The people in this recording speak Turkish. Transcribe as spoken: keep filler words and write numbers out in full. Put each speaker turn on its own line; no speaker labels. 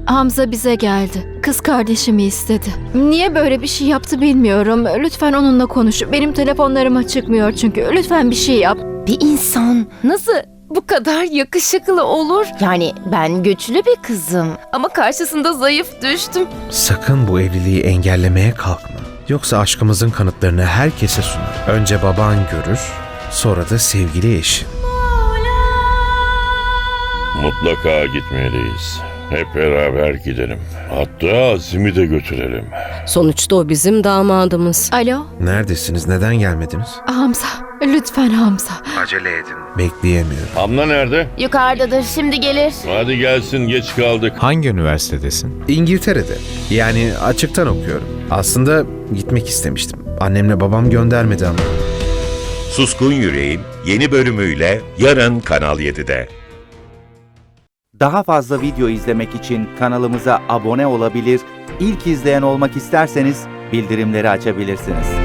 Hamza bize geldi. Kız kardeşimi istedi. Niye böyle bir şey yaptı bilmiyorum. Lütfen onunla konuş. Benim telefonlarıma çıkmıyor çünkü. Lütfen bir şey yap.
Bir insan nasıl bu kadar yakışıklı olur? Yani ben güçlü bir kızım ama karşısında zayıf düştüm.
Sakın bu evliliği engellemeye kalkma. Yoksa aşkımızın kanıtlarını herkese sunar. Önce baban görür, sonra da sevgili eşin.
Mutlaka gitmeliyiz. Hep beraber gidelim. Hatta Azim'i de götürelim.
Sonuçta o bizim damadımız.
Alo?
Neredesiniz? Neden gelmediniz?
Hamza. Lütfen Hamza.
Acele edin. Bekleyemiyorum.
Hamla nerede?
Yukarıdadır, şimdi gelir.
Hadi gelsin, geç kaldık.
Hangi üniversitedesin?
İngiltere'de. Yani açıktan okuyorum. Aslında gitmek istemiştim. Annemle babam göndermedi ama.
Suskun Yüreğin yeni bölümüyle yarın Kanal yedide.
Daha fazla video izlemek için kanalımıza abone olabilir, ilk izleyen olmak isterseniz bildirimleri açabilirsiniz.